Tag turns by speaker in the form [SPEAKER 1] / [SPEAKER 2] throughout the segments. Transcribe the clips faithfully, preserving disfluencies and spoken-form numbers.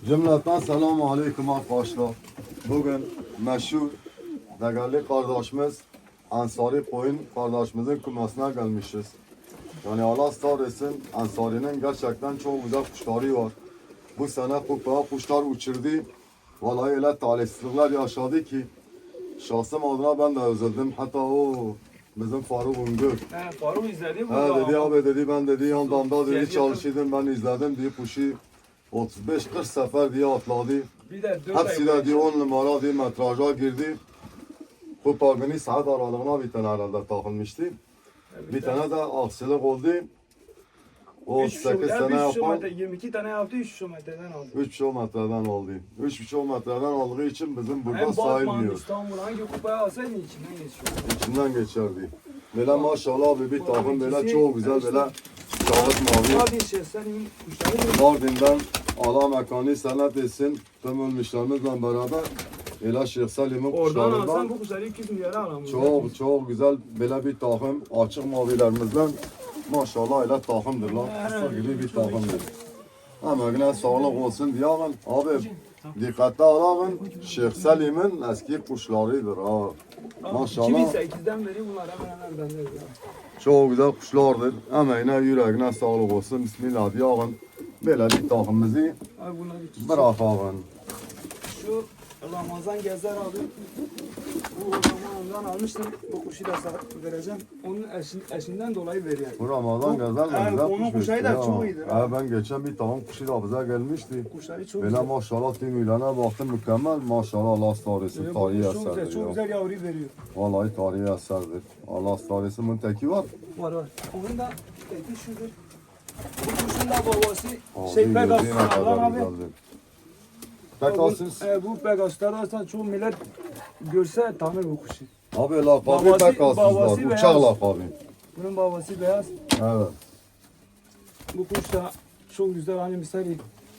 [SPEAKER 1] Cümleten selamun aleyküm arkadaşlar. Bugün meşhur değerli kardeşimiz Ansari Koyun kardeşimizin kumasına gelmişiz. Yani Allah sağ etsin, Ansari'nin gerçekten çok güzel kuşları var. Bu sene kupaya kuşlar uçurdu. Vallahi öyle talihsizlikler yaşadı ki şahsım adına ben de üzüldüm. Hatta o bizim Faruk Ungör.
[SPEAKER 2] He, Faruk izledi bu.
[SPEAKER 1] He dedi abi dedi ben dedi yan damda dedi
[SPEAKER 2] Gezdi.
[SPEAKER 1] çalışıyordum ben izledim diye kuşu otuz beş kırk sefer diye atladı.
[SPEAKER 2] Bir de dört
[SPEAKER 1] Hepsi de diye on numara diye metraja girdi. Bu parkını saat aralığına bir tane herhalde takılmıştı. Bir tane de aksilik oldu. O
[SPEAKER 2] üç
[SPEAKER 1] sekiz
[SPEAKER 2] şo-
[SPEAKER 1] sene
[SPEAKER 2] yani üç şo
[SPEAKER 1] yapan
[SPEAKER 2] metre, yirmi iki tane yaptı, üç kilometreden aldı.
[SPEAKER 1] üç kilometreden oldu. üç kilometreden aldığı için bizim burada
[SPEAKER 2] Hem Batman,
[SPEAKER 1] sayılmıyor.
[SPEAKER 2] İstanbul hangi kupaya alsaydın içinden geçiyor.
[SPEAKER 1] İçinden geçerdi. Böyle maşallah abi bir takım böyle
[SPEAKER 2] ikisi-
[SPEAKER 1] çok güzel böyle kağıt mavi.
[SPEAKER 2] Hadi şey senin kuşları
[SPEAKER 1] Mardin'den Allah mekanı cennet etsin. Tüm ölmüşlerimizle beraber Ela Şeyh Salim'in
[SPEAKER 2] oradan alsan
[SPEAKER 1] kuşlarından
[SPEAKER 2] bu kuşları iki yüz milyara alamıyorsun.
[SPEAKER 1] çok çok güzel böyle bir takım açık mavilerimizden maşallah öyle takımdır lan. Kısa gibi bir takımdır. Emeğine sağlık olsun diyelim. Abi dikkate alalım. Şeyh Salim'in eski kuşlarıdır ha. Maşallah.
[SPEAKER 2] iki bin sekizden beri bunlar hemen hemen bende.
[SPEAKER 1] Çok güzel kuşlardır. Emeğine yüreğine sağlık olsun. Bismillah diyelim. Böyle bir takımımızı
[SPEAKER 2] Abi bunlar iki.
[SPEAKER 1] bırakalım.
[SPEAKER 2] Şu Ramazan Gezer abi. Bu Ramazan'dan almıştım. Bu kuşu da sana vereceğim. Onun eşin, eşinden dolayı veriyorum.
[SPEAKER 1] Bu Ramazan
[SPEAKER 2] Bu-
[SPEAKER 1] gazel
[SPEAKER 2] Evet,
[SPEAKER 1] güzel
[SPEAKER 2] onun
[SPEAKER 1] kuş
[SPEAKER 2] kuşları da
[SPEAKER 1] verdi
[SPEAKER 2] çok
[SPEAKER 1] ha.
[SPEAKER 2] iyidir
[SPEAKER 1] Ha,
[SPEAKER 2] ha.
[SPEAKER 1] ben geçen bir tavuk kuşu da bize gelmişti.
[SPEAKER 2] Kuşları çok
[SPEAKER 1] Böyle
[SPEAKER 2] güzel.
[SPEAKER 1] maşallah tümüylene baktım mükemmel. Maşallah Allah staresi
[SPEAKER 2] Böyle
[SPEAKER 1] tarihi
[SPEAKER 2] kuş çok güzel,
[SPEAKER 1] eserdir
[SPEAKER 2] çok
[SPEAKER 1] ya.
[SPEAKER 2] güzel yavru veriyor.
[SPEAKER 1] Vallahi tarihi eserdir. Allah staresi bunun teki var.
[SPEAKER 2] Var var. Onun da teki şudur. Bu kuşun da babası
[SPEAKER 1] Abi
[SPEAKER 2] şey
[SPEAKER 1] gözüne
[SPEAKER 2] Pegasus
[SPEAKER 1] kadar
[SPEAKER 2] Allah'ın abi.
[SPEAKER 1] güzeldir. Pegasus.
[SPEAKER 2] E, bu Pegasus'lar aslında çoğu millet görse tanır bu kuşu.
[SPEAKER 1] Abi lakabı
[SPEAKER 2] Babası-
[SPEAKER 1] Pegasus var.
[SPEAKER 2] babası
[SPEAKER 1] Uçak
[SPEAKER 2] beyaz.
[SPEAKER 1] lakabı.
[SPEAKER 2] Bunun babası beyaz.
[SPEAKER 1] Evet.
[SPEAKER 2] Bu kuş da çok güzel. Hani misali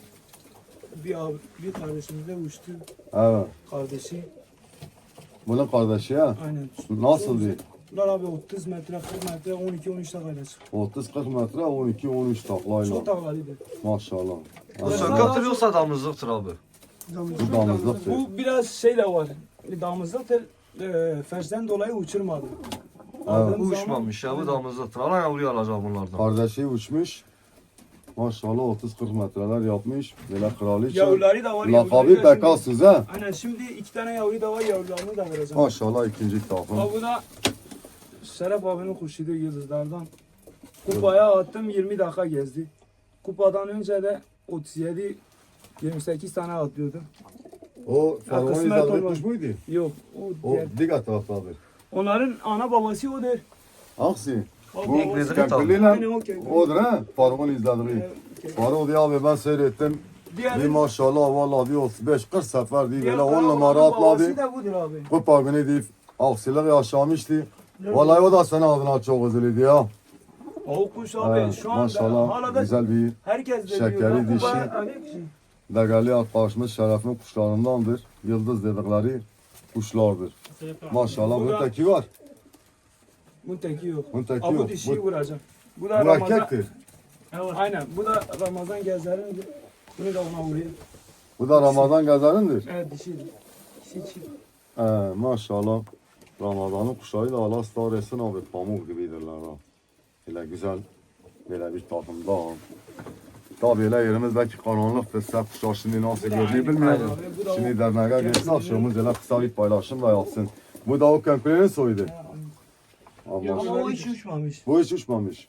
[SPEAKER 2] bir abi, bir kardeşimize uçtu.
[SPEAKER 1] Evet.
[SPEAKER 2] Kardeşi.
[SPEAKER 1] Bunun kardeşi ya.
[SPEAKER 2] Aynen.
[SPEAKER 1] Nasıl
[SPEAKER 2] Çok
[SPEAKER 1] diye?
[SPEAKER 2] güzel. Bunlar abi otuz metre, kırk metre, on iki on üç taklayla çıkıyor.
[SPEAKER 1] otuz kırk metre on iki on üç taklayla.
[SPEAKER 2] Çok taklaydı.
[SPEAKER 1] Maşallah.
[SPEAKER 3] Bu
[SPEAKER 1] Evet.
[SPEAKER 3] sökatır yoksa damızlıktır abi.
[SPEAKER 1] Bu damızlıktır.
[SPEAKER 2] Bu biraz şey de var. Damızlıktır. E, fersten dolayı uçurmadı. Aldığım
[SPEAKER 3] Bu
[SPEAKER 2] zaman-
[SPEAKER 3] uçmamış ya bu damızlıktır. Alan yavruyu alacak bunlardan.
[SPEAKER 1] Kardeşi uçmuş. Maşallah otuz kırk metreler yapmış. Böyle kraliçe.
[SPEAKER 2] Yavruları da var.
[SPEAKER 1] Lakabı
[SPEAKER 2] yavruları da şimdi-
[SPEAKER 1] Pegasus ha.
[SPEAKER 2] Aynen şimdi iki tane yavru da var. Yavrularını da vereceğim.
[SPEAKER 1] Maşallah ikinci takım.
[SPEAKER 2] Ha, bu da Şeref abinin kuşuydu yıldızlardan. Kupaya attım yirmi dakika gezdi. Kupadan önce de otuz yedi yirmi sekiz tane atlıyordu.
[SPEAKER 1] O Faruk'un
[SPEAKER 2] kısmet
[SPEAKER 1] izlediği
[SPEAKER 2] olmaz.
[SPEAKER 1] kuş muydu?
[SPEAKER 2] Yok o,
[SPEAKER 1] O
[SPEAKER 2] diğer.
[SPEAKER 1] diğer taraftadır.
[SPEAKER 2] Onların ana babası odur.
[SPEAKER 1] Hangisi?
[SPEAKER 2] O
[SPEAKER 1] Bu
[SPEAKER 3] İngiliz'in
[SPEAKER 1] Kempirli'yle
[SPEAKER 2] Aynen o Kempirli.
[SPEAKER 1] odur ha. Faruk'un izlediği.
[SPEAKER 2] Evet.
[SPEAKER 1] Faruk diye abi ben seyrettim. Bir
[SPEAKER 2] Diğer,
[SPEAKER 1] maşallah vallahi diyor otuz beş kırk sefer diye
[SPEAKER 2] diğer
[SPEAKER 1] böyle on
[SPEAKER 2] karavanın
[SPEAKER 1] numara
[SPEAKER 2] babası
[SPEAKER 1] atladı.
[SPEAKER 2] da budur abi.
[SPEAKER 1] Kupa günü deyip aksilik yaşamıştı. Vallahi o da senin adına çok üzüldü ya.
[SPEAKER 2] O kuş abi
[SPEAKER 1] Evet,
[SPEAKER 2] şu anda hala
[SPEAKER 1] maşallah
[SPEAKER 2] da
[SPEAKER 1] güzel bir
[SPEAKER 2] herkes de
[SPEAKER 1] şekeri
[SPEAKER 2] diyor. "Lan
[SPEAKER 1] dişi."
[SPEAKER 2] kupaya hani ki-
[SPEAKER 1] değerli arkadaşımız Şeref'in kuşlarındandır. Yıldız dedikleri kuşlardır. Maşallah
[SPEAKER 2] Bu
[SPEAKER 1] bunun
[SPEAKER 2] da-
[SPEAKER 1] teki var.
[SPEAKER 2] Bunun teki yok.
[SPEAKER 1] Bunun teki
[SPEAKER 2] Abi
[SPEAKER 1] yok.
[SPEAKER 2] dişiyi
[SPEAKER 1] Bu,
[SPEAKER 2] vuracak. Bu
[SPEAKER 1] bu
[SPEAKER 2] da Ramazan.
[SPEAKER 1] erkektir.
[SPEAKER 2] Aynen. Bu da Ramazan Gezer'in. Bunu da ona vuruyor.
[SPEAKER 1] Bu da Ramazan gazarındır.
[SPEAKER 2] Evet dişidir. Dişi çift.
[SPEAKER 1] Ee, maşallah. Ramazan'ın kuşları da Allah star etsin abi. Pamuk gibidirler ha. Böyle güzel. Böyle bir takımda. Tabii öyle yerimiz belki karanlıktır. Sen kuşlar şimdi nasıl görünüyor bilmiyorum.
[SPEAKER 2] Bu da
[SPEAKER 1] Şimdi derneğe gelirse akşamımız öyle kısa bir paylaşım da yapsın. Bu da o Kempir'in soydu.
[SPEAKER 2] Yok
[SPEAKER 1] Ama
[SPEAKER 2] ama o hiç uçmamış.
[SPEAKER 1] bu hiç uçmamış.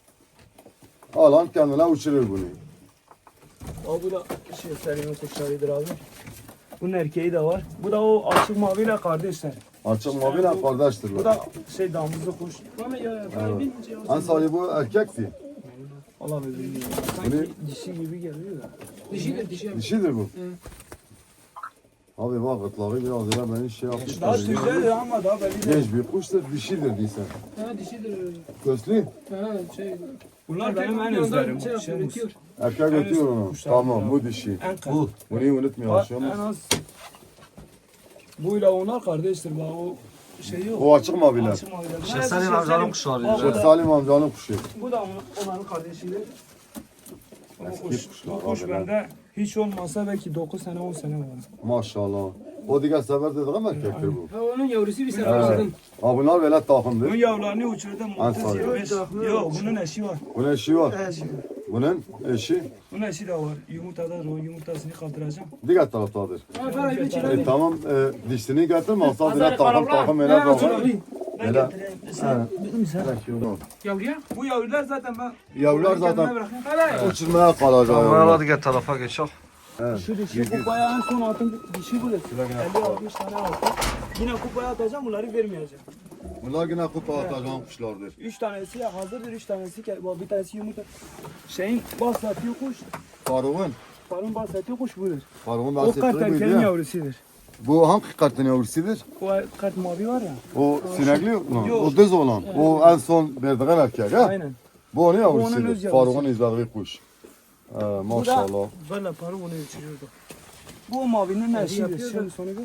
[SPEAKER 1] Alan kendine uçurur bunu.
[SPEAKER 2] O bu da şey Selim'in kuşlarıdır abi. Bunun erkeği de var. Bu da o açık maviyle kardeşler.
[SPEAKER 1] Açık maviyle
[SPEAKER 2] Bu
[SPEAKER 1] kardeştirler.
[SPEAKER 2] da şey damızlı kuş.
[SPEAKER 1] En sahibi bu erkekti.
[SPEAKER 2] Allah bilir.
[SPEAKER 1] Bunu-
[SPEAKER 2] Sanki dişi gibi geliyor da. Dişidir dişi.
[SPEAKER 1] Dişidir bu. Abi bak gırtlağı biraz öyle beni şey yapmış.
[SPEAKER 2] Daha güzel ama daha belli değil.
[SPEAKER 1] Genç bir kuştur, dişidir değilsen.
[SPEAKER 4] Ha dişidir.
[SPEAKER 1] Göslü,
[SPEAKER 4] Ha şey.
[SPEAKER 2] Bunlar benim en
[SPEAKER 4] Yoldan
[SPEAKER 2] özlerim.
[SPEAKER 4] şey yapıyor,
[SPEAKER 2] Şey,
[SPEAKER 4] üretiyor.
[SPEAKER 1] erkek
[SPEAKER 2] En
[SPEAKER 1] ötüyor
[SPEAKER 2] üst
[SPEAKER 1] onu.
[SPEAKER 2] kuşlar
[SPEAKER 1] Tamam,
[SPEAKER 2] ya.
[SPEAKER 1] bu dişi.
[SPEAKER 2] en
[SPEAKER 3] Bu.
[SPEAKER 2] bu.
[SPEAKER 1] Bunu unutmuyor
[SPEAKER 2] En
[SPEAKER 1] aşağımız.
[SPEAKER 2] az. Buyla onlar kardeştir. Bak o şey yok.
[SPEAKER 1] O açık maviler.
[SPEAKER 2] Açık maviler. Bunlar
[SPEAKER 3] Şeyh
[SPEAKER 2] hepsi
[SPEAKER 3] Salim
[SPEAKER 2] Şeyh
[SPEAKER 3] amcanın
[SPEAKER 2] Salim.
[SPEAKER 3] kuşları.
[SPEAKER 2] Bak, bu
[SPEAKER 1] Şeyh
[SPEAKER 2] da-
[SPEAKER 1] Salim amcanın kuşu.
[SPEAKER 2] Bu da onun- onların kardeşidir. O
[SPEAKER 1] Eski
[SPEAKER 2] kuş,
[SPEAKER 1] kuşlar
[SPEAKER 2] bu kuş
[SPEAKER 1] abiler.
[SPEAKER 2] bende Hiç olmazsa belki dokuz sene on sene var.
[SPEAKER 1] Maşallah. O diğer sefer dedik ama erkektir bu.
[SPEAKER 4] Ha, onun yavrusu bir sene
[SPEAKER 1] Evet.
[SPEAKER 4] aldım.
[SPEAKER 1] Ha bunlar böyle
[SPEAKER 2] Bunun
[SPEAKER 1] takımdır.
[SPEAKER 2] yavrularını uçurdum.
[SPEAKER 1] Ansari.
[SPEAKER 2] otuz yirmi beş. Yok bunun eşi var.
[SPEAKER 1] Bunun eşi var.
[SPEAKER 2] Eşi var.
[SPEAKER 1] Bunun eşi
[SPEAKER 2] Bunun eşi de var. Yumurtada o yumurtasını kaldıracağım.
[SPEAKER 1] diğer taraftadır.
[SPEAKER 4] Ha, para bir
[SPEAKER 1] E,
[SPEAKER 4] çiledim.
[SPEAKER 1] tamam e, dişini getirme. Asla
[SPEAKER 4] Hazır
[SPEAKER 1] direkt takım
[SPEAKER 4] karavra.
[SPEAKER 1] takım
[SPEAKER 4] Ne
[SPEAKER 1] ele
[SPEAKER 4] yapıyorsun
[SPEAKER 1] takım.
[SPEAKER 4] abi?
[SPEAKER 2] Ben
[SPEAKER 1] Hele.
[SPEAKER 2] getireyim. Sen, sen.
[SPEAKER 4] Yavruya.
[SPEAKER 2] Bu yavrular zaten ben
[SPEAKER 1] Yavrular
[SPEAKER 2] kendime
[SPEAKER 1] zaten
[SPEAKER 2] bırakayım.
[SPEAKER 4] Hele.
[SPEAKER 1] uçurmaya kalacak.
[SPEAKER 3] Tamam
[SPEAKER 1] yavrular.
[SPEAKER 3] hadi gel tarafa geçelim.
[SPEAKER 1] Evet.
[SPEAKER 2] Şu dişi kupaya en son attım dişi bu da. elli altmış tane attım. Yine kupaya atacağım bunları vermeyeceğim.
[SPEAKER 1] Bunlar yine kupa atacağım kuşlardır.
[SPEAKER 2] Üç tanesi hazırdır, üç tanesi ke- bak bir tanesi yumurta. Şeyin bahsettiği kuş,
[SPEAKER 1] Faruk'un.
[SPEAKER 2] Faruk'un bahsettiği kuş budur.
[SPEAKER 1] Faruk'un
[SPEAKER 2] O kart
[SPEAKER 1] bahsettiği buydu
[SPEAKER 2] erkeğin
[SPEAKER 1] ya.
[SPEAKER 2] yavrusudur.
[SPEAKER 1] Bu hangi kartın yavrusudur?
[SPEAKER 2] O kart mavi var ya.
[SPEAKER 1] O sinekli yok mu?
[SPEAKER 2] Yok.
[SPEAKER 1] O düz olan. O en son verdiğin erkek ha?
[SPEAKER 2] Aynen.
[SPEAKER 1] Bu onun
[SPEAKER 2] onun
[SPEAKER 1] yavrusudur.
[SPEAKER 2] öz yavrusu.
[SPEAKER 1] Faruk'un izlediği kuş. Ee, maşallah.
[SPEAKER 2] Böyle Faruk onu uçuruyordu. Bu o mavinin eşidir.
[SPEAKER 4] yapıyor
[SPEAKER 2] Şimdi sonu bu.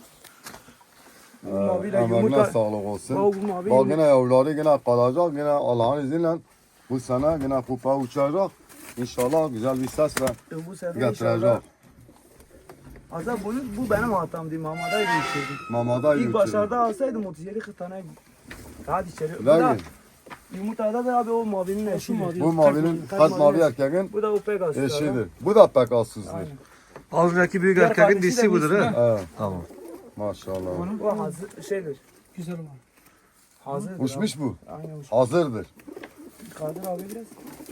[SPEAKER 2] Bu
[SPEAKER 1] Ee,
[SPEAKER 2] maviyle
[SPEAKER 1] emeğine
[SPEAKER 2] yumurta.
[SPEAKER 1] sağlık olsun.
[SPEAKER 2] Bak bu mavi
[SPEAKER 1] Bak
[SPEAKER 2] yumurta.
[SPEAKER 1] yine yavruları yine kalacak. Yine Allah'ın izniyle bu sene yine kupa uçacak. İnşallah güzel bir sesle
[SPEAKER 2] E, Bu sefer inşallah.
[SPEAKER 1] getirecek.
[SPEAKER 2] Aslında bunu, bu benim hatamdı. Mamadaydı uçurdu.
[SPEAKER 1] Mamada
[SPEAKER 2] İlk
[SPEAKER 1] yürütür.
[SPEAKER 2] başlarda alsaydım otuz yedi kırk tane. Hadi içeri. Bu da
[SPEAKER 1] Lakin
[SPEAKER 2] yumurtada da abi o mavinin eşidir.
[SPEAKER 1] bu mavinin
[SPEAKER 2] Kalp
[SPEAKER 1] kalp
[SPEAKER 2] mavi
[SPEAKER 1] mavi erkeğin
[SPEAKER 2] Bu da o Pegasus.
[SPEAKER 1] eşidir. Bu da Pegasus'dur.
[SPEAKER 2] Aynen.
[SPEAKER 3] Az önceki büyük
[SPEAKER 2] Diğer
[SPEAKER 3] erkeğin
[SPEAKER 2] kardeşi de
[SPEAKER 3] dişi budur
[SPEAKER 2] Müslüman.
[SPEAKER 3] he.
[SPEAKER 1] Evet,
[SPEAKER 3] Tamam.
[SPEAKER 1] maşallah.
[SPEAKER 2] O hazır şeydir.
[SPEAKER 4] Güzel olan.
[SPEAKER 2] Hazırdır.
[SPEAKER 1] Uçmuş bu.
[SPEAKER 2] Abi. Aynen uçmuş.
[SPEAKER 1] Hazırdır.
[SPEAKER 2] Kaldır abi biraz.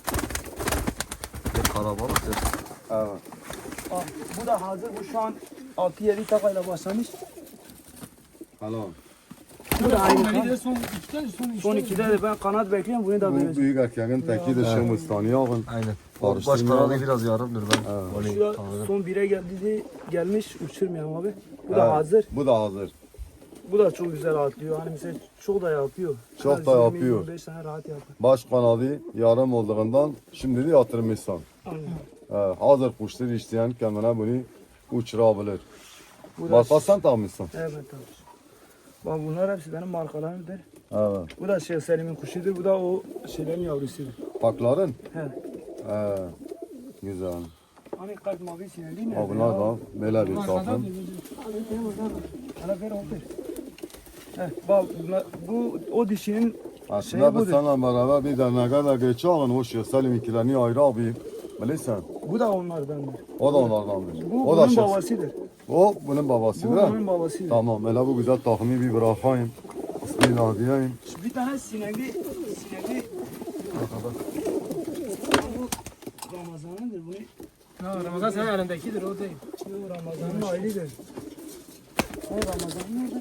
[SPEAKER 3] Bir karabalık ya.
[SPEAKER 1] Evet.
[SPEAKER 2] Aa, bu da hazır. Bu şu an altı yedi takayla başlamış.
[SPEAKER 1] Helal.
[SPEAKER 2] Bu da aynı.
[SPEAKER 4] Son
[SPEAKER 2] kan.
[SPEAKER 4] de son ikide son
[SPEAKER 2] Son ikide de ben kanat bekliyorum. Bunu da
[SPEAKER 1] Bu
[SPEAKER 2] vereceğim.
[SPEAKER 1] büyük erkeğin teki de Şımıstan'ı yakın.
[SPEAKER 3] Aynen. O baş
[SPEAKER 1] Karıştırmayalım.
[SPEAKER 3] kanadı biraz yarımdır ben.
[SPEAKER 1] Evet.
[SPEAKER 3] Onu
[SPEAKER 2] Şu da
[SPEAKER 3] tanıdım.
[SPEAKER 2] son bire geldi gelmiş. Uçurmuyorum abi. Bu
[SPEAKER 1] Evet.
[SPEAKER 2] da hazır.
[SPEAKER 1] Bu da hazır.
[SPEAKER 2] Bu da çok güzel atlıyor. Hani mesela çok da yapıyor.
[SPEAKER 1] Çok
[SPEAKER 2] Her
[SPEAKER 1] da
[SPEAKER 2] yirmi,
[SPEAKER 1] yapıyor.
[SPEAKER 2] yirmi beş tane rahat yapıyor.
[SPEAKER 1] Baş kanadı yarım olduğundan şimdi de yatırmışsan.
[SPEAKER 2] Aynen.
[SPEAKER 1] Evet, hazır kuştur isteyen kendine bunu uçurabilir.
[SPEAKER 2] Bu da
[SPEAKER 1] Marka sen takmışsın.
[SPEAKER 2] evet abi. Bak bunlar hepsi benim markalarımdır.
[SPEAKER 1] Evet.
[SPEAKER 2] Bu da Şeyh Selim'in kuşudur. Bu da o şeylerin yavrusudur.
[SPEAKER 1] Pakların.
[SPEAKER 2] He.
[SPEAKER 1] Evet. Güzel.
[SPEAKER 2] Hani kalp mavi sinirli ne?
[SPEAKER 1] Ha, bunlar da böyle bir takım.
[SPEAKER 2] Hala ver oldu. He. Bak bunlar, bu o dişinin
[SPEAKER 1] Aslında biz
[SPEAKER 2] budur.
[SPEAKER 1] seninle beraber bir derneğe de geçelim. O Şeyh Selim ikilerini ayrı abi. Bilirsen.
[SPEAKER 2] bu da onlardandır.
[SPEAKER 1] O da onlardandır.
[SPEAKER 2] Bu
[SPEAKER 1] o da
[SPEAKER 2] bunun
[SPEAKER 1] Şeyh.
[SPEAKER 2] babasıdır.
[SPEAKER 1] O bunun
[SPEAKER 2] Bu
[SPEAKER 1] babasıdır ha.
[SPEAKER 2] bunun babasıdır.
[SPEAKER 1] Tamam. Hele bu güzel takımı bir bırakayım. Bismillah diyeyim.
[SPEAKER 2] Şu bir tane sinekli sinekli bu Ramazan'ındır. Bunu
[SPEAKER 4] Ha, Ramazan senin elindekidir o değil.
[SPEAKER 2] bu Ramazan'ın ailedir. O Ramazan'ın nerede?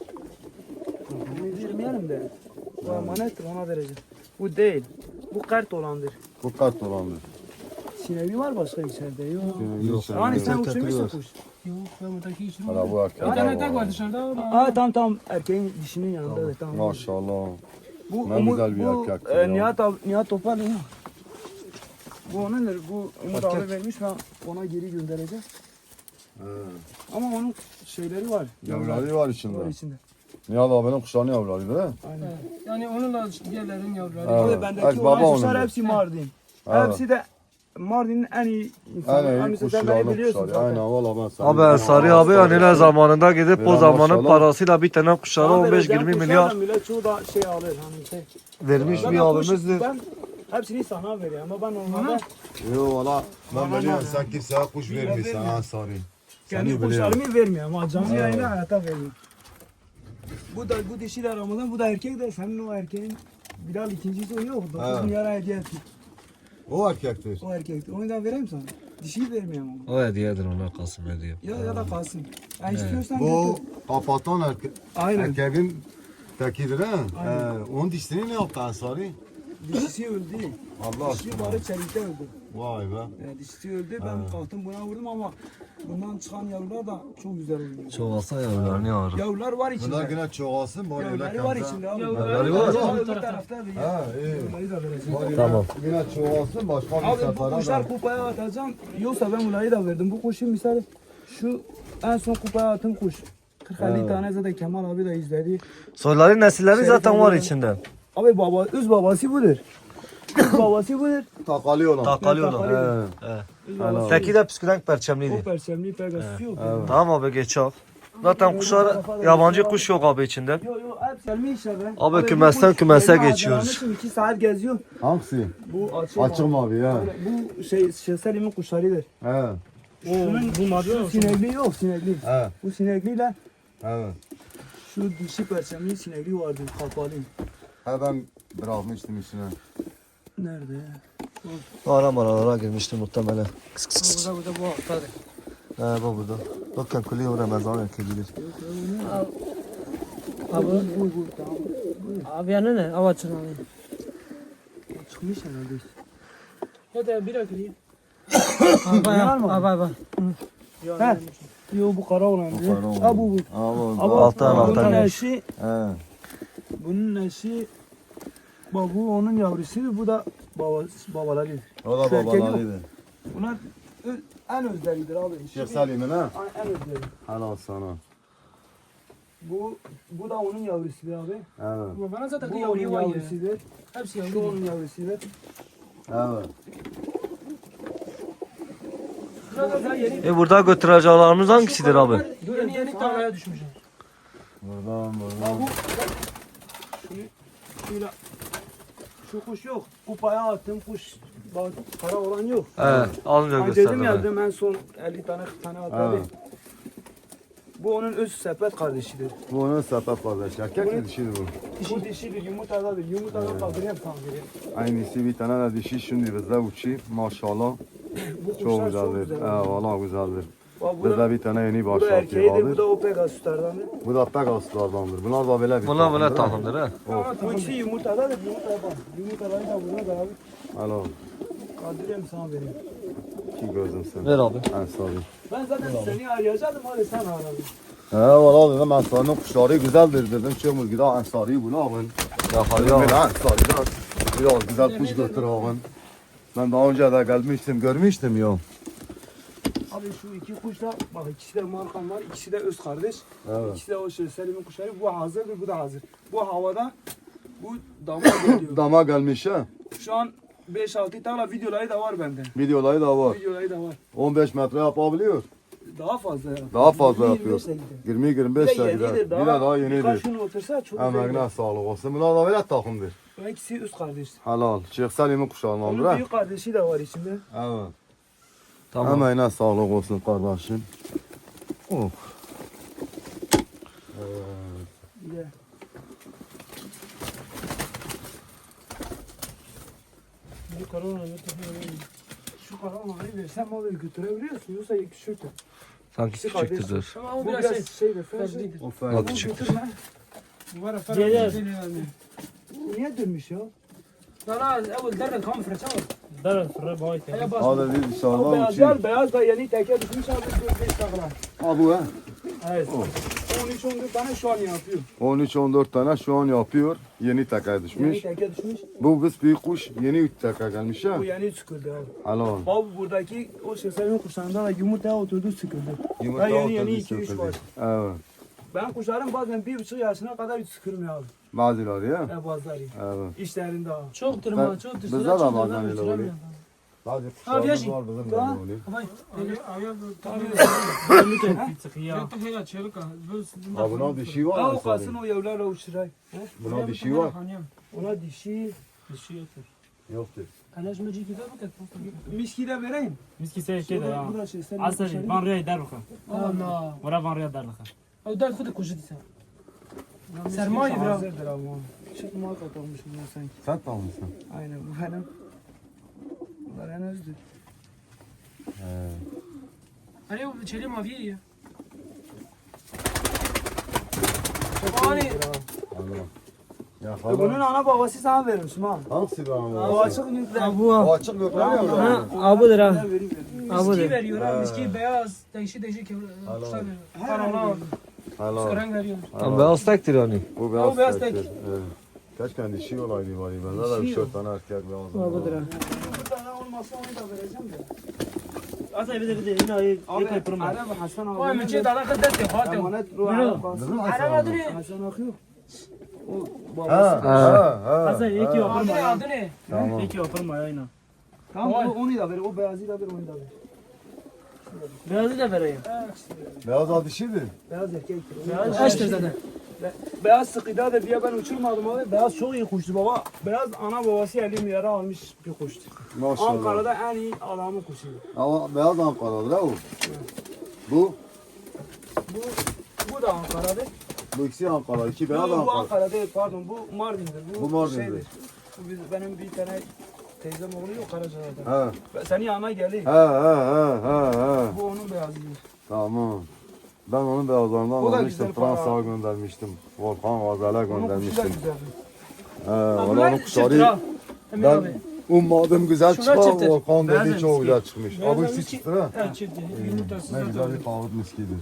[SPEAKER 2] Bunu vermeyelim de. Bu emanettir ona vereceğim. Bu değil. Bu kart olandır.
[SPEAKER 1] Bu kart olandır.
[SPEAKER 2] Sinevi var başka içeride yok.
[SPEAKER 1] Yok.
[SPEAKER 2] Yani sen uçurmuşsun kuş.
[SPEAKER 4] Yok ben buradaki işim
[SPEAKER 1] Hala
[SPEAKER 4] var.
[SPEAKER 1] bu erkek.
[SPEAKER 4] Bir tane tek var dışarıda. o da-
[SPEAKER 2] Aa tamam tamam erkeğin dişinin yanında evet tamam.
[SPEAKER 1] Maşallah.
[SPEAKER 2] Bu
[SPEAKER 1] Ne
[SPEAKER 2] Umut-
[SPEAKER 1] güzel bir
[SPEAKER 2] bu,
[SPEAKER 1] erkektir
[SPEAKER 2] e,
[SPEAKER 1] ya.
[SPEAKER 2] Nihat, abi- Nihat Topal ya. Bu onundur. Bu Umut abi vermiş ben ona geri göndereceğim. Ama onun şeyleri var.
[SPEAKER 1] Yavruları var içinde.
[SPEAKER 2] Var içinde.
[SPEAKER 1] Nihat abinin kuşlarının yavruları değil mi?
[SPEAKER 2] Aynen.
[SPEAKER 4] Evet. Yani onunla diğerlerin yavruları.
[SPEAKER 1] Evet.
[SPEAKER 2] Abi
[SPEAKER 1] Evet,
[SPEAKER 2] bendeki
[SPEAKER 1] baba
[SPEAKER 2] olan kuşlar
[SPEAKER 1] onundur.
[SPEAKER 2] hepsi Mardin.
[SPEAKER 1] Evet.
[SPEAKER 2] Hepsi de Mardin'in en iyi insanı.
[SPEAKER 1] En iyi
[SPEAKER 2] Hani sen
[SPEAKER 1] kuşları
[SPEAKER 2] beni
[SPEAKER 1] alıp
[SPEAKER 2] biliyorsun
[SPEAKER 1] kuşları.
[SPEAKER 2] zaten.
[SPEAKER 1] Aynen valla ben sana.
[SPEAKER 3] Abi Ensari abi anneler zamanında gidip o
[SPEAKER 1] Biraz
[SPEAKER 3] zamanın
[SPEAKER 1] maşallah.
[SPEAKER 3] parasıyla bir tane kuşlara
[SPEAKER 2] Bana
[SPEAKER 3] on beş
[SPEAKER 2] vereceğim
[SPEAKER 3] yirmi
[SPEAKER 2] kuşlar
[SPEAKER 3] milyar
[SPEAKER 2] da millet çoğu da şey alır. Hani şey.
[SPEAKER 3] vermiş
[SPEAKER 2] Ben
[SPEAKER 3] bir
[SPEAKER 2] kuş-
[SPEAKER 3] abimizdir.
[SPEAKER 2] Ben hepsini sana veriyorum ama ben onlarda
[SPEAKER 1] Yo valla ben
[SPEAKER 2] Bana
[SPEAKER 1] biliyorum
[SPEAKER 2] ne?
[SPEAKER 1] sen kimseye kuş vermiyorsun
[SPEAKER 2] vermiyor.
[SPEAKER 1] Ansari.
[SPEAKER 2] kendi
[SPEAKER 1] Seni biliyorum.
[SPEAKER 2] kuşlarımı vermiyorum ama canlı yayına hayata vermiyorum. Bu da bu dişi de Ramazan, bu da erkek de senin o erkeğin Bilal ikincisi o yok. dokuz
[SPEAKER 1] Evet.
[SPEAKER 2] milyara hediye etti.
[SPEAKER 1] O erkektir.
[SPEAKER 2] O erkekti. Onu da vereyim sana. Dişiyi vermiyorum ama.
[SPEAKER 3] O hediyedir ona Kasım hediye.
[SPEAKER 2] Ya ya da kalsın. Ya istiyorsan
[SPEAKER 1] Bu
[SPEAKER 2] götür.
[SPEAKER 1] kapatan erkek.
[SPEAKER 2] Aynen.
[SPEAKER 1] Erkeğin tekidir ha.
[SPEAKER 2] Aynen.
[SPEAKER 1] Ee, onun dişini ne yaptı Ansari?
[SPEAKER 2] Dişisi öldü.
[SPEAKER 1] Allah
[SPEAKER 2] Dişi
[SPEAKER 1] aşkına.
[SPEAKER 2] bari çelikte öldü.
[SPEAKER 1] Vay be.
[SPEAKER 2] Ya dişisi öldü. Ben kalktım buna vurdum ama bundan çıkan yavrular da çok güzel oluyor.
[SPEAKER 3] Çoğalsa yavrularını yağar.
[SPEAKER 2] Yavrular var içinde.
[SPEAKER 1] Bunlar yine çoğalsın bari öyle
[SPEAKER 2] Yavruları var
[SPEAKER 1] kemse.
[SPEAKER 2] içinde abi.
[SPEAKER 4] Yavruları
[SPEAKER 3] var.
[SPEAKER 2] Yavrular öbür tarafta da ya.
[SPEAKER 1] Ha iyi.
[SPEAKER 2] Yavruları da vereceğim.
[SPEAKER 1] Bari
[SPEAKER 3] Tamam.
[SPEAKER 1] Yine çoğalsın başka bir
[SPEAKER 2] Abi bu
[SPEAKER 1] sefere
[SPEAKER 2] kuşlar
[SPEAKER 1] de.
[SPEAKER 2] kupaya atacağım. Yoksa ben bunları da verdim. Bu kuşun misali şu en son kupaya attığım kuş. kırk elli tane zaten Kemal abi de izledi.
[SPEAKER 3] Soyların nesilleri
[SPEAKER 2] Şerif
[SPEAKER 3] zaten var
[SPEAKER 2] abi-
[SPEAKER 3] içinde.
[SPEAKER 2] Abi baba, öz babası budur. Babası budur.
[SPEAKER 1] Takali olan.
[SPEAKER 3] Takali
[SPEAKER 2] Takali.
[SPEAKER 3] olan.
[SPEAKER 1] He.
[SPEAKER 3] He.
[SPEAKER 1] Helal.
[SPEAKER 3] Teki de püskürenk
[SPEAKER 2] O
[SPEAKER 3] perçemliydi.
[SPEAKER 2] perçemli Pegasus yok.
[SPEAKER 1] Evet.
[SPEAKER 3] Tamam abi geç al. Zaten kuşlar yabancı kuş yok abi içinde.
[SPEAKER 2] Yok yok hep selmi işler be.
[SPEAKER 3] Abi kümesten kümese
[SPEAKER 2] Yeni
[SPEAKER 3] geçiyoruz.
[SPEAKER 2] hazırlanmışım, iki saat geziyor.
[SPEAKER 1] Hangisi?
[SPEAKER 2] Bu açık.
[SPEAKER 1] Açık mavi ya.
[SPEAKER 2] Bu şey Şeselim'in kuşlarıdır.
[SPEAKER 1] He.
[SPEAKER 2] Şunun
[SPEAKER 4] bu mavi
[SPEAKER 2] şu
[SPEAKER 4] olsun.
[SPEAKER 2] sinekli yok sinekli.
[SPEAKER 1] He.
[SPEAKER 2] Bu sinekliyle
[SPEAKER 1] Evet.
[SPEAKER 2] şu dişi perçemli sinekli vardı kapalı.
[SPEAKER 1] He ben bırakmıştım içine.
[SPEAKER 2] Nerede ya?
[SPEAKER 3] Ara maralara girmişti muhtemelen. Kıs kıs kıs.
[SPEAKER 4] Burada burada bu haftadır.
[SPEAKER 3] He bak burada. Bakın kuliyor Ramazan ekibilir.
[SPEAKER 4] Abi,
[SPEAKER 2] Bu bu tamam.
[SPEAKER 4] abi yanı ne? Hava açın abi.
[SPEAKER 2] O çıkmış herhalde.
[SPEAKER 4] Ya da bir akıllı.
[SPEAKER 2] Var mı?
[SPEAKER 4] Abi abi.
[SPEAKER 2] He. Yo bu kara olan.
[SPEAKER 1] Bu kara olan.
[SPEAKER 2] Ha bu bu.
[SPEAKER 1] Ama
[SPEAKER 2] Ama
[SPEAKER 3] Alttan, alttan
[SPEAKER 2] bunun
[SPEAKER 3] gelmiş.
[SPEAKER 2] eşi,
[SPEAKER 1] He.
[SPEAKER 2] bunun eşi bak bu onun yavrusuydu, bu da babası, babaları.
[SPEAKER 1] O da
[SPEAKER 2] Şu erkek
[SPEAKER 1] babalarıydı.
[SPEAKER 2] Bunlar ö- en özleridir abi.
[SPEAKER 1] Şeyh Salim'in ha?
[SPEAKER 2] En özleri.
[SPEAKER 1] Helal sana.
[SPEAKER 2] Bu bu da onun yavrusudur abi.
[SPEAKER 1] Evet.
[SPEAKER 4] Bu bana zaten
[SPEAKER 2] Bu onun
[SPEAKER 4] yavru var ya.
[SPEAKER 2] yavrusudur.
[SPEAKER 4] Hepsi
[SPEAKER 2] Şu
[SPEAKER 4] yavru.
[SPEAKER 2] onun yavrusudur.
[SPEAKER 1] Evet.
[SPEAKER 4] Burada yeni
[SPEAKER 3] E burada götüreceğlerimiz hangisidir abi?
[SPEAKER 4] yeni yeni tarlaya düşmüş.
[SPEAKER 1] Buradan
[SPEAKER 2] Bak
[SPEAKER 1] buradan.
[SPEAKER 2] bu şunu şöyle şu kuş yok. Kupaya attım kuş. Bak para olan yok.
[SPEAKER 3] He alınca
[SPEAKER 2] Ben dedim
[SPEAKER 3] gösterdim.
[SPEAKER 2] ya
[SPEAKER 3] he.
[SPEAKER 2] dedim en son elli tane kırk tane attı.
[SPEAKER 1] Evet.
[SPEAKER 2] Bu onun öz sepet kardeşidir.
[SPEAKER 1] Bu onun sepet kardeş. Erkek mi dişi bu?
[SPEAKER 2] Bu dişidir, yumurtadadır. Yumurtada kaldırıyor kaldırıyor.
[SPEAKER 1] Aynısı bir tane de dişi şimdi bizde uçuyor. Maşallah.
[SPEAKER 2] Bu kuşlar
[SPEAKER 1] Çok güzeldir.
[SPEAKER 2] güzel.
[SPEAKER 1] He valla güzeldir.
[SPEAKER 2] Bak bu da,
[SPEAKER 1] Bizde bir tane yeni
[SPEAKER 2] bu da
[SPEAKER 1] başlatıyor
[SPEAKER 2] erkeğidir, bu
[SPEAKER 1] vardır.
[SPEAKER 2] da o Pegasus'lardandır.
[SPEAKER 1] Bu da Pegasus'lardandır. Bunlar da böyle bir
[SPEAKER 3] Bunlar böyle
[SPEAKER 1] takımdır, ha?
[SPEAKER 3] takımdır he.
[SPEAKER 2] Bu ikisi yumurtadadır, yumurtaya bak. Yumurtaları da buna da abi.
[SPEAKER 1] Helal.
[SPEAKER 2] Kaldırıyorum sana vereyim.
[SPEAKER 1] Ki gözüm sen.
[SPEAKER 3] Ver abi.
[SPEAKER 1] En sağ
[SPEAKER 2] Ben zaten seni arayacaktım, hadi sen aradın.
[SPEAKER 1] He valla dedim Ensari'nin kuşları güzeldir dedim. Çömür gida Ensari'yi bunu alın.
[SPEAKER 3] Yakalıyor
[SPEAKER 1] Böyle
[SPEAKER 3] abi.
[SPEAKER 1] Ensari'den biraz güzel kuş götür alın. Ben daha önce de gelmiştim, görmüştüm ya.
[SPEAKER 2] Abi şu iki kuş da, bak ikisi de markan var, ikisi de öz kardeş.
[SPEAKER 1] Evet.
[SPEAKER 2] İkisi de o şey Selim'in kuşları. Bu hazırdır, bu da hazır. Bu havada, bu dama geliyor.
[SPEAKER 1] Dama gelmiş ha.
[SPEAKER 2] Şu an beş altı tane videoları da var bende.
[SPEAKER 1] Videoları da var.
[SPEAKER 2] Videoları da var.
[SPEAKER 1] on beş metre yapabiliyor.
[SPEAKER 2] Daha fazla ya.
[SPEAKER 1] Daha fazla
[SPEAKER 2] yirmi,
[SPEAKER 1] yapıyor.
[SPEAKER 2] yirmi beşe gider.
[SPEAKER 1] yirmi yirmi
[SPEAKER 2] Bir
[SPEAKER 1] beş
[SPEAKER 2] de
[SPEAKER 1] de
[SPEAKER 2] yenidir
[SPEAKER 1] gider. Bir
[SPEAKER 2] daha.
[SPEAKER 1] de daha
[SPEAKER 2] Birkaç
[SPEAKER 1] yenidir.
[SPEAKER 2] gün otursa çok güzel.
[SPEAKER 1] Emeğine sağlık olsun. Bunlar da böyle takımdır.
[SPEAKER 2] Bu ikisi üst kardeş.
[SPEAKER 1] Helal. Şeyh Salim'in kuşağındandır
[SPEAKER 2] Onun
[SPEAKER 1] ha.
[SPEAKER 2] büyük kardeşi de var içinde.
[SPEAKER 1] Evet.
[SPEAKER 3] Tamam.
[SPEAKER 1] Emeğine sağlık olsun kardeşim. Oh.
[SPEAKER 2] Bir de.
[SPEAKER 4] Bu korona ne
[SPEAKER 2] Şu karavanayı versem abi götürebiliyorsun. Yoksa küçüktür.
[SPEAKER 3] Sanki
[SPEAKER 2] İkisi
[SPEAKER 3] küçüktür.
[SPEAKER 4] Ama o
[SPEAKER 2] Bu
[SPEAKER 4] biraz
[SPEAKER 2] biraz
[SPEAKER 4] şey.
[SPEAKER 2] şeydir. Ferdi.
[SPEAKER 4] Ferdidir.
[SPEAKER 1] O
[SPEAKER 3] O
[SPEAKER 1] ferdi.
[SPEAKER 3] küçüktür.
[SPEAKER 2] Götürme.
[SPEAKER 4] Bu var ya
[SPEAKER 5] Gelir.
[SPEAKER 4] Ferdi.
[SPEAKER 2] Bu niye dönmüş ya?
[SPEAKER 4] لا اول درب كم فرشة
[SPEAKER 5] Dar fırı boy.
[SPEAKER 4] هيا باص
[SPEAKER 1] Hadi bir
[SPEAKER 2] O
[SPEAKER 1] dışarıdan
[SPEAKER 2] beyaz
[SPEAKER 1] uçayım.
[SPEAKER 2] yer, beyaz da yeni teke düşmüş abi dört beş takla.
[SPEAKER 1] Ha bu ha.
[SPEAKER 2] Evet. on üç on dört tane şu an yapıyor.
[SPEAKER 1] on üç on dört tane şu an yapıyor. Yeni teke
[SPEAKER 2] Yeni
[SPEAKER 1] düşmüş.
[SPEAKER 2] teke düşmüş.
[SPEAKER 1] Bu biz büyük kuş yeni üç teke gelmiş ha.
[SPEAKER 2] Bu yeni çıkıldı abi.
[SPEAKER 1] Helal.
[SPEAKER 2] Bak buradaki o şeserin kuşlarından da yumurtaya oturdu sıkıldı.
[SPEAKER 1] Yumurta
[SPEAKER 2] Ben yeni yeni
[SPEAKER 1] ortada
[SPEAKER 2] iki üç
[SPEAKER 1] söküldü.
[SPEAKER 2] var.
[SPEAKER 1] Evet.
[SPEAKER 2] Ben kuşlarım bazen bir buçuk yaşına kadar hiç sıkılmıyor abi.
[SPEAKER 1] Bazıları ya.
[SPEAKER 2] Ne bazıları.
[SPEAKER 1] Evet.
[SPEAKER 2] İşlerinde abi.
[SPEAKER 4] çok tırma çok
[SPEAKER 1] bizde
[SPEAKER 4] tırma
[SPEAKER 1] de
[SPEAKER 4] çok
[SPEAKER 1] bazen
[SPEAKER 4] tırma
[SPEAKER 1] öyle
[SPEAKER 4] uçuramıyor.
[SPEAKER 1] oluyor. Bazı
[SPEAKER 4] Abi
[SPEAKER 1] kuşlarımız
[SPEAKER 4] yaşın.
[SPEAKER 1] var bizim de
[SPEAKER 2] Daha-
[SPEAKER 1] öyle oluyor.
[SPEAKER 4] Vay,
[SPEAKER 5] Sıkıyor.
[SPEAKER 4] ya tehya çelik ha.
[SPEAKER 1] Ha buna dişi var
[SPEAKER 2] Ha
[SPEAKER 1] mı?
[SPEAKER 2] o kalsın o yavrularla uçuray.
[SPEAKER 1] Buna dişi var.
[SPEAKER 2] Ona dişi.
[SPEAKER 5] Dişi yoktur.
[SPEAKER 1] Yoktur.
[SPEAKER 4] Kalaş mı ciddi de
[SPEAKER 2] Miski de vereyim.
[SPEAKER 5] Miski sevki de ya.
[SPEAKER 2] Bu da şeserin
[SPEAKER 5] Asari.
[SPEAKER 2] kuşları.
[SPEAKER 5] Van Rüya der bakalım.
[SPEAKER 4] Allah.
[SPEAKER 5] Vura Van Rüya der bakalım.
[SPEAKER 4] او ده خد كوجدي سا
[SPEAKER 2] Miski
[SPEAKER 4] Sermaye bro.
[SPEAKER 2] hazırdır ama. Çok muhakkak olmuş bunlar sanki.
[SPEAKER 1] Sen tamam mısın?
[SPEAKER 2] Aynen bu benim. Bunlar en özdür.
[SPEAKER 1] He.
[SPEAKER 4] عليه تشيلي ما فيه يا
[SPEAKER 2] Çok
[SPEAKER 4] Hani-
[SPEAKER 2] iyidir abi.
[SPEAKER 1] Allah. Ya
[SPEAKER 2] E Bunun
[SPEAKER 1] hala.
[SPEAKER 2] ana babası sana vermişim ha.
[SPEAKER 1] Hangisi bu
[SPEAKER 2] O
[SPEAKER 1] ama?
[SPEAKER 2] açık yüzler.
[SPEAKER 5] Bu
[SPEAKER 1] O açık yok lan ya.
[SPEAKER 5] abudur ha.
[SPEAKER 2] Vereyim, vereyim.
[SPEAKER 4] miski veriyor ha
[SPEAKER 1] Ha.
[SPEAKER 4] miski beyaz değişik değişik kuşlar veriyor. Paralar
[SPEAKER 1] Helal.
[SPEAKER 4] renk veriyor.
[SPEAKER 3] Ama beyaz tektir yani.
[SPEAKER 1] Bu
[SPEAKER 4] O
[SPEAKER 1] beyaz
[SPEAKER 4] beyaz
[SPEAKER 1] tektir.
[SPEAKER 4] tek.
[SPEAKER 1] Evet. Keşke dişi olaydı bari. Bende de
[SPEAKER 2] Dişi
[SPEAKER 1] üç dört tane erkek beyaz var.
[SPEAKER 5] Abudur ha.
[SPEAKER 2] Bir tane olmasa onu da vereceğim de.
[SPEAKER 5] Asari bir de bir de yine ayı
[SPEAKER 2] Abi
[SPEAKER 5] yıkayıp durma.
[SPEAKER 2] Araba Hasan abi.
[SPEAKER 4] Vay mıcı da kadar da te hatim.
[SPEAKER 2] Emanet ruh
[SPEAKER 5] Yürü.
[SPEAKER 2] Araba kalsın.
[SPEAKER 1] Bizim
[SPEAKER 4] Araba
[SPEAKER 1] Hasan abi.
[SPEAKER 4] duri.
[SPEAKER 2] Hasan akıyor. O
[SPEAKER 1] Ha
[SPEAKER 2] babası.
[SPEAKER 1] ha ha.
[SPEAKER 5] Hasan iki
[SPEAKER 1] ha.
[SPEAKER 5] yapar
[SPEAKER 4] Adı
[SPEAKER 5] mı
[SPEAKER 4] ne
[SPEAKER 5] ya?
[SPEAKER 4] adı ne?
[SPEAKER 1] Tamam.
[SPEAKER 5] İki yapar mı aynen.
[SPEAKER 2] Tamam o, onu da ver. O beyazı da ver onu da ver.
[SPEAKER 5] Beyazı da vereyim.
[SPEAKER 1] Beyaz al dişiydi.
[SPEAKER 2] Beyaz erkek.
[SPEAKER 5] Beyaz
[SPEAKER 4] Eştir zaten.
[SPEAKER 2] Be- beyaz sıkıdadır diye ben uçurmadım abi. Beyaz çok iyi kuştu baba. Beyaz ana babası elli milyara almış bir kuştu.
[SPEAKER 1] Maşallah.
[SPEAKER 2] Ankara'da en iyi adamın kuşuydu.
[SPEAKER 1] Ama beyaz Ankara'dır ha o. Bu,
[SPEAKER 2] Bu bu da Ankara'dır.
[SPEAKER 1] bu ikisi Ankara. İki
[SPEAKER 2] Bu,
[SPEAKER 1] beyaz
[SPEAKER 2] bu
[SPEAKER 1] Ankara.
[SPEAKER 2] Ankara değil pardon bu Mardin'dir. Bu,
[SPEAKER 1] Bu Mardin'dir.
[SPEAKER 2] şeydir. Bu biz, benim bir tane teyzem oğlu yok Karaca'da.
[SPEAKER 1] Ha
[SPEAKER 2] Ben senin yanına geleyim.
[SPEAKER 1] ha ha ha ha ha.
[SPEAKER 2] Bu onun beyazıdır.
[SPEAKER 1] Tamam. Ben onun beyazlarından
[SPEAKER 2] O da
[SPEAKER 1] almıştım.
[SPEAKER 2] güzel para.
[SPEAKER 1] Fransa'ya göndermiştim. Volkan Gazel'e
[SPEAKER 2] Onun kuşu da
[SPEAKER 1] göndermiştim.
[SPEAKER 2] güzeldir.
[SPEAKER 1] He, valla
[SPEAKER 4] Bunlar
[SPEAKER 1] onun
[SPEAKER 4] çifttir
[SPEAKER 1] kuşları
[SPEAKER 4] ha. Emin
[SPEAKER 1] ben
[SPEAKER 4] abi.
[SPEAKER 1] ummadım güzel
[SPEAKER 4] Şunlar
[SPEAKER 1] çıkar.
[SPEAKER 4] çifttir.
[SPEAKER 1] Volkan
[SPEAKER 5] Beyaz
[SPEAKER 1] dedi çok
[SPEAKER 5] miski.
[SPEAKER 1] güzel çıkmış.
[SPEAKER 4] Beyaz
[SPEAKER 1] Abi ikisi
[SPEAKER 4] miski.
[SPEAKER 1] çıktı ha.
[SPEAKER 4] Evet çifttir. Yumurtası
[SPEAKER 1] Ne güzel
[SPEAKER 4] zaten.
[SPEAKER 1] bir kahvut miskidir.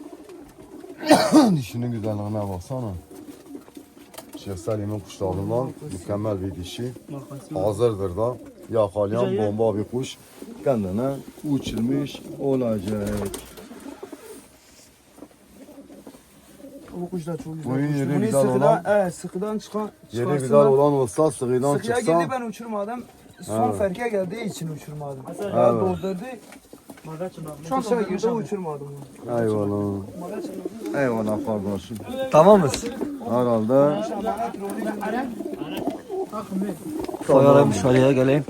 [SPEAKER 1] Dişinin güzelliğine baksana. Şeyh Selim'in kuşlarından mükemmel bir dişi. Hazırdır da. Yakalayan
[SPEAKER 5] Güzel ya.
[SPEAKER 1] bomba bir kuş. Kendine uçurmuş olacak.
[SPEAKER 2] Bu kuş da çok güzel.
[SPEAKER 1] Bunun
[SPEAKER 2] kuştu.
[SPEAKER 1] yeri
[SPEAKER 2] Bunu
[SPEAKER 1] güzel
[SPEAKER 2] sıkıdan,
[SPEAKER 1] olan-
[SPEAKER 2] evet, sıkıdan çıkan
[SPEAKER 1] Yeri
[SPEAKER 2] çıkarsınlar.
[SPEAKER 1] güzel olan olsa sıkıdan
[SPEAKER 2] Sıkıya
[SPEAKER 1] çıksa.
[SPEAKER 2] girdi ben uçurmadım. Son
[SPEAKER 1] Evet.
[SPEAKER 2] ferke geldiği için uçurmadım.
[SPEAKER 5] Hasan
[SPEAKER 2] Ya
[SPEAKER 1] Evet.
[SPEAKER 2] doldurdu. Şu an
[SPEAKER 4] doldurmuş
[SPEAKER 2] girdi
[SPEAKER 4] abi.
[SPEAKER 2] uçurmadım.
[SPEAKER 1] Eyvallah. Eyvallah kardeşim.
[SPEAKER 3] Tamam mıyız?
[SPEAKER 1] Herhalde.
[SPEAKER 3] Koyalım dışarıya geleyim.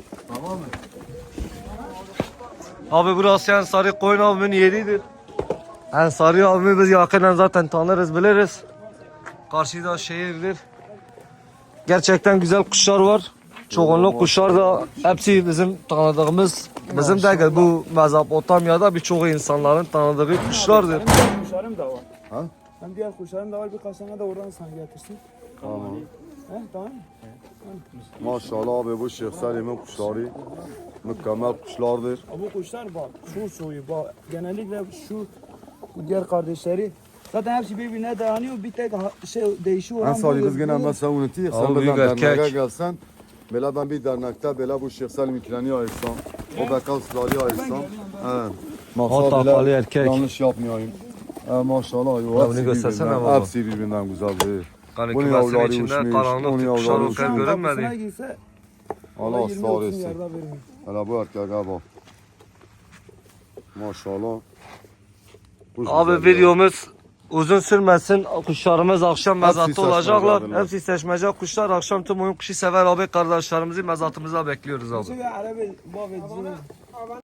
[SPEAKER 3] Abi burası Ensari Koyun abimin yeridir. Ensari abimi biz yakından zaten tanırız biliriz. Karşıda şehirdir. Gerçekten güzel kuşlar var. Çoğunluk kuşlar da hepsi bizim tanıdığımız, bizim değil bu Mezopotamya'da birçok insanların tanıdığı kuşlardır.
[SPEAKER 2] Benim diğer kuşlarım da var.
[SPEAKER 1] Ha?
[SPEAKER 2] Hem diğer kuşlarım da var. Birkaç tane de oradan sana getirsin.
[SPEAKER 1] Tamam.
[SPEAKER 2] He tamam mı?
[SPEAKER 1] Maşallah abi bu Şeyh Selim'in kuşları mükemmel kuşlardır.
[SPEAKER 2] Ha, bu kuşlar bak şu soyu bak. Genellikle şu bu diğer kardeşleri zaten hepsi birbirine dayanıyor. Bir tek ha- şey değişiyor
[SPEAKER 1] En
[SPEAKER 2] olan
[SPEAKER 1] sarı
[SPEAKER 2] budur.
[SPEAKER 1] kız gene
[SPEAKER 2] Bu-
[SPEAKER 1] ben sen unutayım.
[SPEAKER 3] Abi
[SPEAKER 1] Sen
[SPEAKER 3] büyük
[SPEAKER 1] bizden derneğe
[SPEAKER 3] erkek.
[SPEAKER 1] gelsen. Böyle ben bir dernekte böyle bu Şeyh Selim ikileni ayırsam. O bekal suları ayırsam. Evet.
[SPEAKER 3] Hatta
[SPEAKER 1] Maksat
[SPEAKER 3] Ali
[SPEAKER 1] bile
[SPEAKER 3] erkek.
[SPEAKER 1] yanlış yapmayayım. E, maşallah. Yo,
[SPEAKER 3] bunu
[SPEAKER 1] hepsi
[SPEAKER 3] göstersene
[SPEAKER 1] birbirinden-
[SPEAKER 3] baba.
[SPEAKER 1] Hepsi birbirinden güzeldir.
[SPEAKER 3] Yani
[SPEAKER 1] Bunun
[SPEAKER 3] kümesin
[SPEAKER 1] yavruları
[SPEAKER 3] içinde
[SPEAKER 1] uçmuş,
[SPEAKER 3] karanlık
[SPEAKER 1] onun
[SPEAKER 3] tip kuşlar
[SPEAKER 1] yavruları
[SPEAKER 3] o kadar
[SPEAKER 1] uçmuş.
[SPEAKER 2] Kapısına
[SPEAKER 3] görünmedi.
[SPEAKER 2] girse
[SPEAKER 1] Allah
[SPEAKER 2] yirmi otuz
[SPEAKER 1] ısrar etsin.
[SPEAKER 2] milyarda vermiyor.
[SPEAKER 1] Hele bu erkeğe bak. Maşallah. Kuş
[SPEAKER 3] Abi
[SPEAKER 1] güzel ya.
[SPEAKER 3] videomuz uzun sürmesin. Kuşlarımız akşam
[SPEAKER 1] Hepsi
[SPEAKER 3] mezatta olacaklar.
[SPEAKER 1] seçmecedirler.
[SPEAKER 3] Hepsi seçmece kuşlar. Akşam tüm oyun kuşu sever abi kardeşlerimizi mezatımıza bekliyoruz abi.
[SPEAKER 2] Çünkü Arabi bab ediyor.